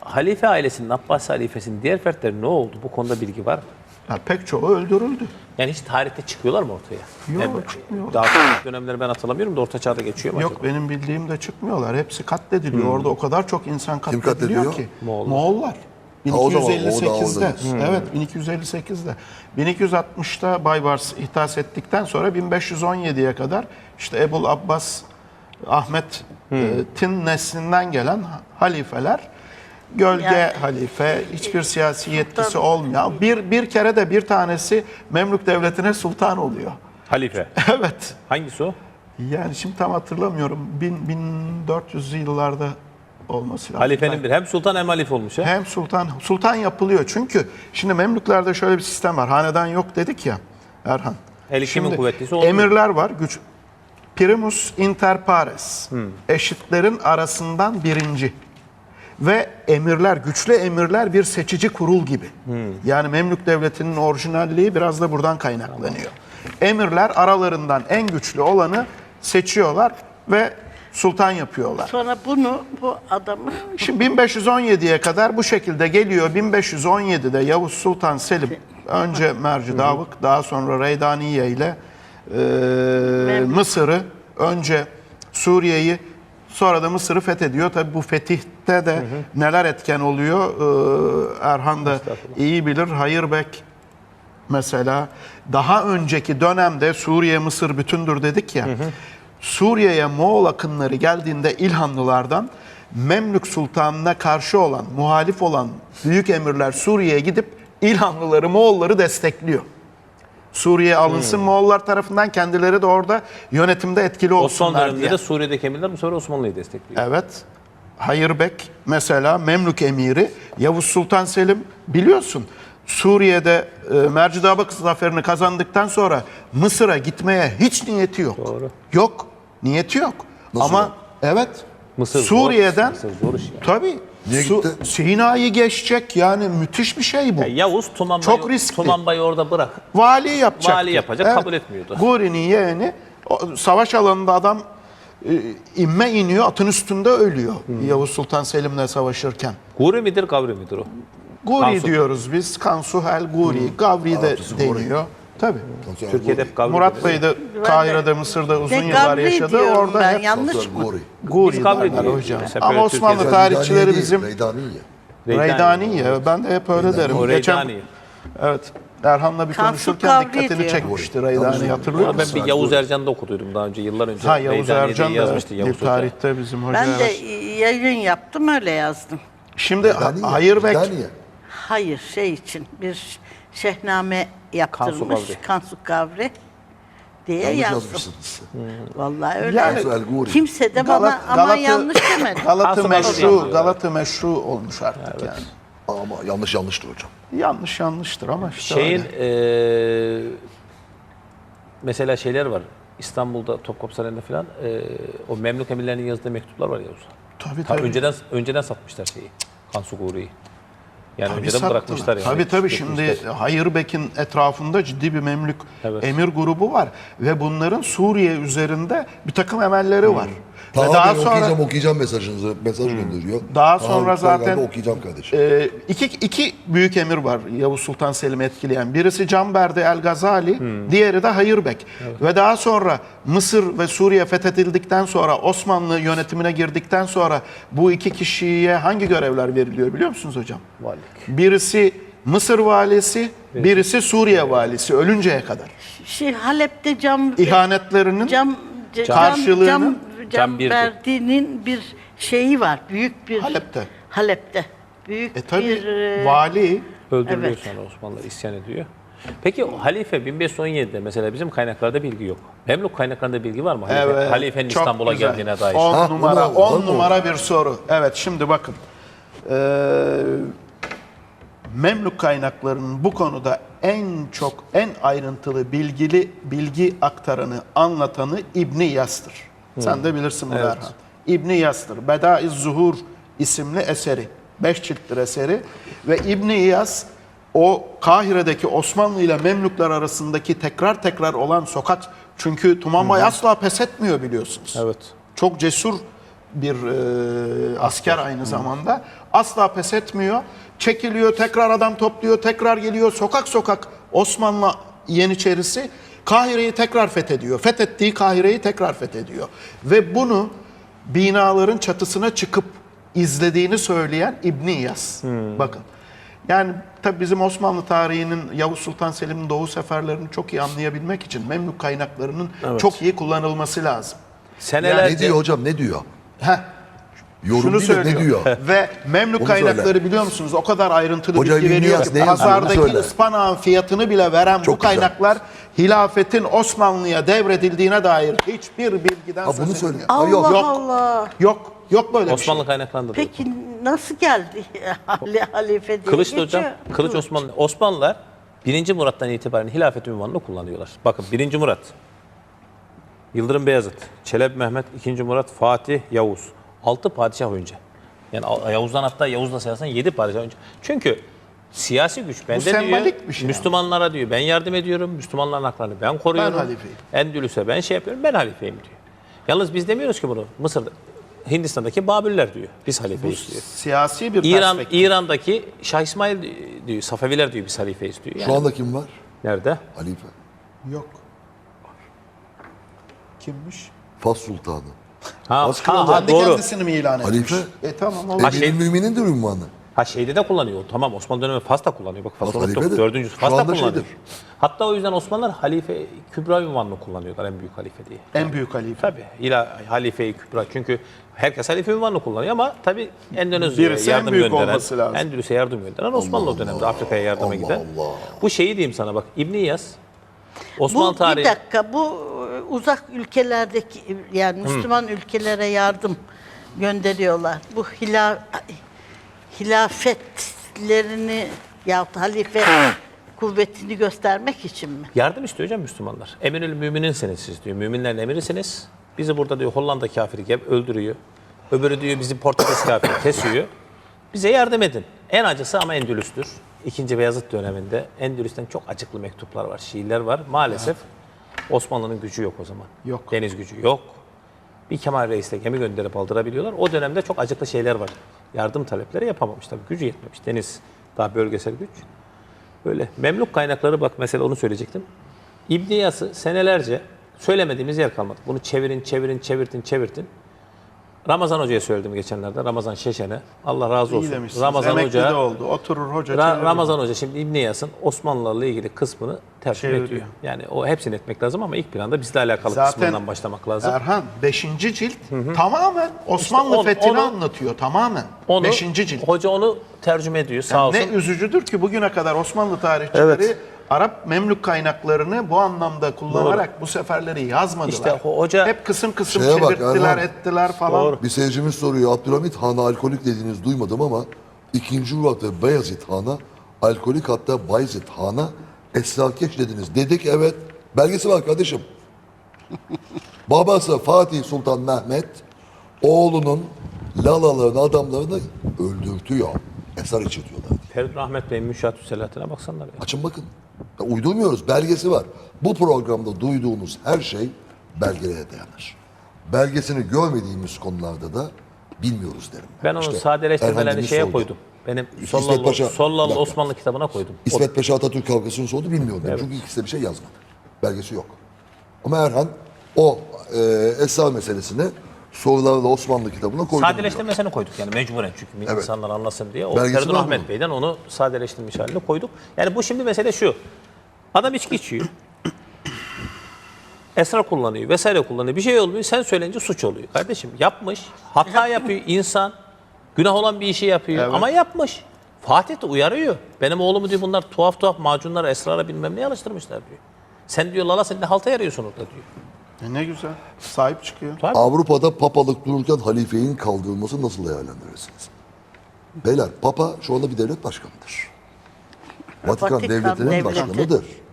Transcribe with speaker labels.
Speaker 1: halife ailesinin, Abbasi halifesinin diğer fertleri ne oldu? Bu konuda bilgi var mı?
Speaker 2: Ya pek çoğu öldürüldü.
Speaker 1: Yani hiç tarihte çıkıyorlar mı ortaya?
Speaker 2: Yok, çıkmıyor.
Speaker 1: Daha sonraki dönemleri ben hatırlamıyorum da Orta Çağ'da geçiyor mu
Speaker 2: Yok,
Speaker 1: acaba?
Speaker 2: benim bildiğim de çıkmıyor. Hepsi katlediliyor. Orada o kadar çok insan katlediliyor
Speaker 3: katlediliyor?
Speaker 2: ki.
Speaker 1: Moğollar.
Speaker 2: Moğollar.
Speaker 3: o zaman, o da
Speaker 2: 1258'de.
Speaker 3: orada.
Speaker 2: Evet, 1258'de. 1260'ta Baybars ihdas ettikten sonra 1517'ye kadar işte Ebul Abbas Ahmet'in neslinden gelen halifeler, gölge halife, hiçbir siyasi yetkisi olmayan, bir kere de bir tanesi Memlük Devleti'ne sultan oluyor.
Speaker 1: Halife.
Speaker 2: Evet.
Speaker 1: Hangisi o?
Speaker 2: Yani şimdi tam hatırlamıyorum. 1400'lü yıllarda olması lazım.
Speaker 1: Halifenin bir. Hem sultan hem halife olmuş ha?
Speaker 2: Hem sultan yapılıyor. Çünkü şimdi Memlüklerde şöyle bir sistem var. Hanedan yok dedik ya Erhan.
Speaker 1: Her kimin
Speaker 2: Şimdi
Speaker 1: kuvvetlisi olmuyor.
Speaker 2: emirler var. Primus inter pares. Eşitlerin arasından birinci. Ve emirler, güçlü emirler bir seçici kurul gibi. Yani Memlük Devleti'nin orijinalliği biraz da buradan kaynaklanıyor. Emirler aralarından en güçlü olanı seçiyorlar ve sultan yapıyorlar.
Speaker 4: Sonra bu adamı
Speaker 2: Şimdi 1517'ye kadar bu şekilde geliyor. 1517'de Yavuz Sultan Selim önce Merci Davık, daha sonra Reydaniye ile Mısır'ı, önce Suriye'yi, sonra da Mısır'ı fethediyor. Tabi bu fetihte de neler etken oluyor Erhan da iyi bilir. Hayırbek mesela daha önceki dönemde Suriye, Mısır bütündür dedik ya. Suriye'ye Moğol akınları geldiğinde İlhanlılardan Memlük Sultanı'na karşı olan, muhalif olan büyük emirler Suriye'ye gidip İlhanlıları, Moğolları destekliyor. Suriye alınsın Moğollar tarafından, kendileri de orada yönetimde etkili
Speaker 1: Osmanlı
Speaker 2: olsunlar
Speaker 1: döneminde
Speaker 2: diye.
Speaker 1: de Suriye'deki emirler bu sefer Osmanlı'yı destekliyor.
Speaker 2: Evet. Hayırbek mesela Memlük emiri, Yavuz Sultan Selim biliyorsun Suriye'de Mercidabak zaferini kazandıktan sonra Mısır'a gitmeye hiç niyeti yok.
Speaker 1: Doğru.
Speaker 2: Yok. Niyeti yok.
Speaker 3: Nasıl
Speaker 2: Ama
Speaker 3: yok?
Speaker 2: evet.
Speaker 1: Mısır zor,
Speaker 2: Suriye'den
Speaker 1: Mısır zor iş yani.
Speaker 2: tabii
Speaker 3: Niye gitti?
Speaker 2: Sina'yı geçecek, yani müthiş bir şey bu.
Speaker 1: Ya Yavuz
Speaker 2: Çok riskli.
Speaker 1: Tumanbay'ı orada bırak.
Speaker 2: Vali yapacak.
Speaker 1: Vali yapacak, kabul etmiyordu.
Speaker 2: Guri'nin yeğeni savaş alanında adam inme iniyor, atın üstünde ölüyor Yavuz Sultan Selim'le savaşırken.
Speaker 1: Guri midir, Gavri midir o?
Speaker 2: Guri
Speaker 1: Kansu.
Speaker 2: diyoruz biz. Kansuhel, Guri, Gavri de
Speaker 3: Arapçası Guri.
Speaker 2: deniyor. Tabii.
Speaker 1: Türkiye'de hep Gavri
Speaker 2: Murat
Speaker 1: deniyor.
Speaker 2: Bey de Kahire'de, Mısır'da uzun
Speaker 4: de
Speaker 2: yıllar
Speaker 4: Gavri
Speaker 2: yaşadı.
Speaker 4: diyorum
Speaker 2: Orada
Speaker 4: ben,
Speaker 2: hep
Speaker 4: yanlış mı?
Speaker 3: Gori.
Speaker 2: Guri
Speaker 1: Biz Gavri
Speaker 2: derler
Speaker 1: diyoruz
Speaker 2: hocam.
Speaker 1: mesela,
Speaker 2: Ama
Speaker 1: böyle
Speaker 2: Osmanlı
Speaker 1: Türkiye'de.
Speaker 2: tarihçileri bizim
Speaker 3: Reydaniye.
Speaker 2: Reydaniye. Ben de hep öyle derim.
Speaker 1: O Reydani.
Speaker 2: Evet. Erhan'la bir
Speaker 4: Kansu
Speaker 2: konuşurken
Speaker 4: Gavri
Speaker 2: dikkatini
Speaker 4: diyor.
Speaker 2: çekmişti Reydani, hatırlıyor
Speaker 1: Ama ben
Speaker 2: musun?
Speaker 1: bir Yavuz Ercan'da okuduydum daha önce, yıllar önce.
Speaker 2: Ha, Yavuz
Speaker 1: Reydaniye
Speaker 2: Ercan
Speaker 1: diye
Speaker 2: da
Speaker 1: yazmıştı Yavuz
Speaker 2: bir
Speaker 1: Hoca.
Speaker 2: tarihte bizim hoca.
Speaker 4: ben de
Speaker 2: evet.
Speaker 4: yayın yaptım, öyle yazdım.
Speaker 2: Şimdi
Speaker 3: Reydaniye.
Speaker 2: Hayırbek
Speaker 3: Reydaniye.
Speaker 4: Hayır, şey için bir şehname yaptırmış
Speaker 1: Gavri.
Speaker 4: Kansu Gavri diye
Speaker 3: Yanlış
Speaker 4: yazdım.
Speaker 3: yazmışsınız.
Speaker 4: Vallahi öyle.
Speaker 2: Yani-
Speaker 4: yazdım.
Speaker 3: Kansu El Guri.
Speaker 4: Kimse de bana aman yanlış demedi.
Speaker 2: Galata
Speaker 1: Kansu
Speaker 2: meşru,
Speaker 1: Gavri.
Speaker 2: Galata meşru olmuş artık yani.
Speaker 3: Ama yanlıştır hocam.
Speaker 2: Yanlıştır ama işte
Speaker 1: Şeyin
Speaker 2: öyle.
Speaker 1: mesela şeyler var. İstanbul'da Topkapı Sarayı'nda falan o Memlük emirlerinin yazdığı mektuplar var Yavuz'a.
Speaker 2: Tabii
Speaker 1: Ta
Speaker 2: tabii.
Speaker 1: önceden satmışlar şeyi. Kansu Guri'yi. Yani
Speaker 2: Tabii
Speaker 1: önceden
Speaker 2: sattılar.
Speaker 1: bırakmışlar yani.
Speaker 2: Tabii şimdi
Speaker 1: Götürmüşler.
Speaker 2: Hayırbek'in etrafında ciddi bir Memlük
Speaker 1: Evet.
Speaker 2: emir grubu var. Ve bunların Suriye üzerinde bir takım emelleri var. Ve
Speaker 3: Taha
Speaker 2: daha
Speaker 3: Bey
Speaker 2: sonra
Speaker 3: okuyacağım mesajınızı. Mesaj gönderiyor.
Speaker 2: Daha
Speaker 3: Taha
Speaker 2: sonra
Speaker 3: Bey,
Speaker 2: zaten-
Speaker 3: ben de okuyacağım kardeşim.
Speaker 2: iki büyük emir var Yavuz Sultan Selim'i etkileyen. Birisi Canberdi El Gazali, diğeri de Hayırbek. Ve daha sonra Mısır ve Suriye fethedildikten sonra, Osmanlı yönetimine girdikten sonra bu iki kişiye hangi görevler veriliyor biliyor musunuz hocam?
Speaker 1: Valilik.
Speaker 2: Birisi Mısır valisi, birisi Suriye valisi ölünceye kadar.
Speaker 4: Halep'te cam
Speaker 2: İhanetlerinin karşılığını-
Speaker 4: cam
Speaker 1: birdi.
Speaker 4: verdiğinin bir şeyi var. Büyük bir
Speaker 2: Halep'te.
Speaker 4: Halep'te. Büyük
Speaker 2: Tabii
Speaker 4: bir
Speaker 2: vali
Speaker 1: Öldürülüyor
Speaker 4: Evet.
Speaker 1: sonra, Osmanlılar isyan ediyor. Peki o halife 1517'de mesela bizim kaynaklarda bilgi yok. Memlük kaynaklarında bilgi var mı? Halifenin
Speaker 2: çok
Speaker 1: İstanbul'a
Speaker 2: güzel.
Speaker 1: geldiğine dair.
Speaker 2: 10
Speaker 3: Ha,
Speaker 2: numara,
Speaker 3: bunu-
Speaker 2: 10
Speaker 3: bunu-
Speaker 2: numara bir soru. Evet, şimdi bakın. Memlük kaynaklarının bu konuda en ayrıntılı bilgi aktaranı, anlatanı İbn Yas'tır. Sen de bilirsin bunu Erhan. İbn Yas'tır. Bedaiz Zuhur isimli eseri. 5 cilttir eseri. Ve İbn Yas o Kahire'deki Osmanlı ile Memlükler arasındaki tekrar olan sokak, çünkü Tumanbay asla pes etmiyor biliyorsunuz.
Speaker 1: Evet.
Speaker 2: Çok cesur bir asker aynı zamanda. Asla pes etmiyor. Çekiliyor, tekrar adam topluyor, tekrar geliyor. Sokak sokak Osmanlı Yeniçerisi Kahire'yi tekrar fethediyor. Fethettiği Kahire'yi tekrar fethediyor. Ve bunu binaların çatısına çıkıp izlediğini söyleyen İbn İyas. Bakın. Yani tabii bizim Osmanlı tarihinin Yavuz Sultan Selim'in Doğu seferlerini çok iyi anlayabilmek için Memlük kaynaklarının çok iyi kullanılması lazım.
Speaker 1: Senelerce
Speaker 3: Ne diyor hocam, ne diyor?
Speaker 2: Heh,
Speaker 3: Yorum
Speaker 2: şunu
Speaker 3: değil de ne
Speaker 2: söylüyor.
Speaker 3: diyor?
Speaker 2: Ve Memlük
Speaker 3: Onu
Speaker 2: kaynakları
Speaker 3: söyle.
Speaker 2: biliyor musunuz? O kadar ayrıntılı
Speaker 3: Hocam
Speaker 2: bilgi
Speaker 3: İbn
Speaker 2: veriyor
Speaker 3: İyas
Speaker 2: ki
Speaker 3: ne yazıyor? Onu
Speaker 2: pazardaki
Speaker 3: söyle.
Speaker 2: ıspanağın fiyatını bile veren bu
Speaker 3: Çok güzel.
Speaker 2: kaynaklar hilafetin Osmanlı'ya devredildiğine dair hiçbir bilgiden
Speaker 3: Ha,
Speaker 2: söz
Speaker 3: bunu söyle.
Speaker 2: etmiyor.
Speaker 3: Ha,
Speaker 4: Allah
Speaker 3: yok.
Speaker 4: Allah.
Speaker 2: Yok böyle bir
Speaker 1: Osmanlı
Speaker 2: şey.
Speaker 1: kaynaklarında da.
Speaker 4: Peki nasıl geldi halife diye
Speaker 1: Kılıç da
Speaker 4: geçiyor?
Speaker 1: hocam, Kılıç Osmanlılar 1. Murat'tan itibaren hilafet ünvanını kullanıyorlar. Bakın 1. Murat, Yıldırım Beyazıt, Çelebi Mehmet, 2. Murat, Fatih, Yavuz. 6 padişah önce. Yani Yavuz'dan hatta Yavuz'la sayarsan 7 padişah önce. Çünkü siyasi güç bende diyor.
Speaker 2: sembolik bir şey
Speaker 1: Müslümanlara diyor ben yardım ediyorum. Müslümanların haklarını ben koruyorum.
Speaker 2: Ben halifeyim.
Speaker 1: Endülüs'e ben şey yapıyorum. Ben halifeyim diyor. Yalnız biz demiyoruz ki bunu. Mısır'da, Hindistan'daki Babürler diyor. Biz halifeyiz diyor.
Speaker 2: Siyasi bir perspektif.
Speaker 1: İran'daki Şah İsmail diyor, Safeviler diyor biz halifeyiz diyor. Yani
Speaker 3: Şu anda kim var?
Speaker 1: nerede?
Speaker 3: Halife.
Speaker 2: Yok. Kimmiş?
Speaker 3: Fas Sultanı.
Speaker 2: Kendi
Speaker 1: doğru.
Speaker 2: kendisini mi ilan etmiş?
Speaker 3: Halife.
Speaker 2: Tamam olur.
Speaker 3: Emir-i Mümin'indir ünvanı.
Speaker 1: Ha şeyde de kullanıyor. Tamam Osmanlı dönemi Fas'ta kullanıyor. Bak Fas'ı
Speaker 3: Fas
Speaker 1: unuttuk.
Speaker 3: halifedir.
Speaker 1: 4.
Speaker 3: Şu
Speaker 1: Fas'ta
Speaker 3: anda
Speaker 1: kullanıyor.
Speaker 3: şeydir.
Speaker 1: Hatta o yüzden Osmanlılar Halife Kübra ünvanını kullanıyorlar en büyük halife diye.
Speaker 2: En büyük halife.
Speaker 1: Tabii Halife-i Kübra. Çünkü herkes halife ünvanını kullanıyor ama tabii Endonezya'ya
Speaker 2: Birisi en
Speaker 1: yardım
Speaker 2: büyük
Speaker 1: gönderen,
Speaker 2: olması lazım.
Speaker 1: Endülüs'e yardım gönderen Osmanlı o dönemde Afrika'ya yardıma
Speaker 3: Allah
Speaker 1: giden.
Speaker 3: Allah.
Speaker 1: Bu şeyi diyeyim sana bak İbn İyas Osmanlı
Speaker 4: Bir
Speaker 1: tarihi
Speaker 4: dakika bu uzak ülkelerdeki yani Müslüman ülkelere yardım gönderiyorlar. Bu hilafetlerini yahut halife kuvvetini göstermek için mi?
Speaker 1: yardım istiyor hocam Müslümanlar. Emirül müminsiniz siz diyor. Müminlerin emirisiniz. Bizi burada diyor Hollanda kafiri öldürüyor. Öbürü diyor bizi Portekiz kafiri kesiyor. Bize yardım edin. En acısı ama Endülüs'tür. 2. Beyazıt döneminde Endülüs'ten çok acıklı mektuplar var, şiirler var. Maalesef Osmanlı'nın gücü yok o zaman.
Speaker 2: Yok.
Speaker 1: Deniz gücü yok. Bir Kemal Reis'le gemi gönderip aldırabiliyorlar. O dönemde çok acıklı şeyler var. Yardım talepleri yapamamış tabii. Gücü yetmemiş. Deniz daha bölgesel güç. Böyle Memlük kaynakları bak mesela onu söyleyecektim. İbn İyas'ı senelerce söylemediğimiz yer kalmadı. Bunu çevirtin. Ramazan Hoca'ya söyledim geçenlerde. Ramazan Şeşen'e. Allah razı
Speaker 2: İyi
Speaker 1: olsun.
Speaker 2: demişsiniz.
Speaker 1: Ramazan
Speaker 2: Emekli
Speaker 1: Hoca
Speaker 2: de oldu. Oturur hoca çevirir.
Speaker 1: Ramazan Hoca şimdi İbn İyas'ın Osmanlılarla ilgili kısmını tercüme
Speaker 2: Çeviriyor.
Speaker 1: ediyor. Yani o hepsini etmek lazım ama ilk planda bizle alakalı
Speaker 2: Zaten
Speaker 1: kısmından başlamak lazım.
Speaker 2: Erhan 5. cilt tamamen Osmanlı
Speaker 1: İşte
Speaker 2: fethini
Speaker 1: onu-
Speaker 2: anlatıyor. Tamamen.
Speaker 1: Onu
Speaker 2: 5. cilt.
Speaker 1: hoca onu tercüme ediyor sağ olsun.
Speaker 2: Ne üzücüdür ki bugüne kadar Osmanlı tarihçileri Arap Memlük kaynaklarını bu anlamda kullanarak bu seferleri yazmadılar.
Speaker 1: İşte hoca-
Speaker 2: hep kısım
Speaker 3: Şeye bak,
Speaker 2: çevirttiler,
Speaker 3: Erhan.
Speaker 2: ettiler falan.
Speaker 1: Doğru.
Speaker 3: Bir seyircimiz soruyor. Abdülhamit Han'a alkolik dediğiniz duymadım ama 2. Murat ve Beyazıt Han'a alkolik, hatta Bayezid Han'a esrarkeş dediniz. Dedik, evet. Belgesi var kardeşim. Babası Fatih Sultan Mehmet oğlunun lalalarını, adamlarını öldürtüyor. Esrar içirtiyorlar diye.
Speaker 1: Feridun Ahmet Bey'in Müşahat-ü Selahattin'e baksanlar ya.
Speaker 3: Açın bakın. Ya uydurmuyoruz. Belgesi var. Bu programda duyduğunuz her şey belgelere dayanır. Belgesini görmediğimiz konularda da bilmiyoruz derim.
Speaker 1: Ben onun
Speaker 3: İşte
Speaker 1: sadeleştirmelerini
Speaker 3: Erhan
Speaker 1: şeye
Speaker 3: Demir sordu.
Speaker 1: koydum. Benim
Speaker 3: İsmet Paşa- Bir
Speaker 1: Sollalı
Speaker 3: dakika.
Speaker 1: Osmanlı kitabına koydum.
Speaker 3: İsmet Paşa Atatürk kavgasını sordu, bilmiyorum. Çünkü ikisi de bir şey yazmadı. Belgesi yok. Ama Erhan o esrar meselesini sorularla Osmanlı kitabına koydu.
Speaker 1: Sadeleştirmesini koyduk yani mecburen çünkü insanlar anlasın diye. O
Speaker 3: Belgesi
Speaker 1: Feridun
Speaker 3: var
Speaker 1: Ahmet
Speaker 3: bunun.
Speaker 1: Bey'den onu sadeleştirmiş halini koyduk. Yani bu şimdi mesele şu. Adam içki içiyor. Esrar kullanıyor vesaire kullanıyor. Bir şey olmuyor. Sen söyleyince suç oluyor. Kardeşim yapmış. Hata yapıyor insan. Günah olan bir işi yapıyor ama yapmış. Fatih de uyarıyor. Benim oğlumu diyor bunlar tuhaf macunlara, esrara bilmem ne alıştırmışlar diyor. Sen diyor lala sen de halta yarıyorsun orada diyor.
Speaker 2: Ne güzel. Sahip çıkıyor.
Speaker 3: Avrupa'da papalık dururken halifenin kaldırılması nasıl değerlendirirsiniz? Beyler, papa şu anda bir devlet başkanıdır. Vatikan
Speaker 4: Vatikan
Speaker 3: devletinin
Speaker 4: devleti.
Speaker 3: başkanıdır.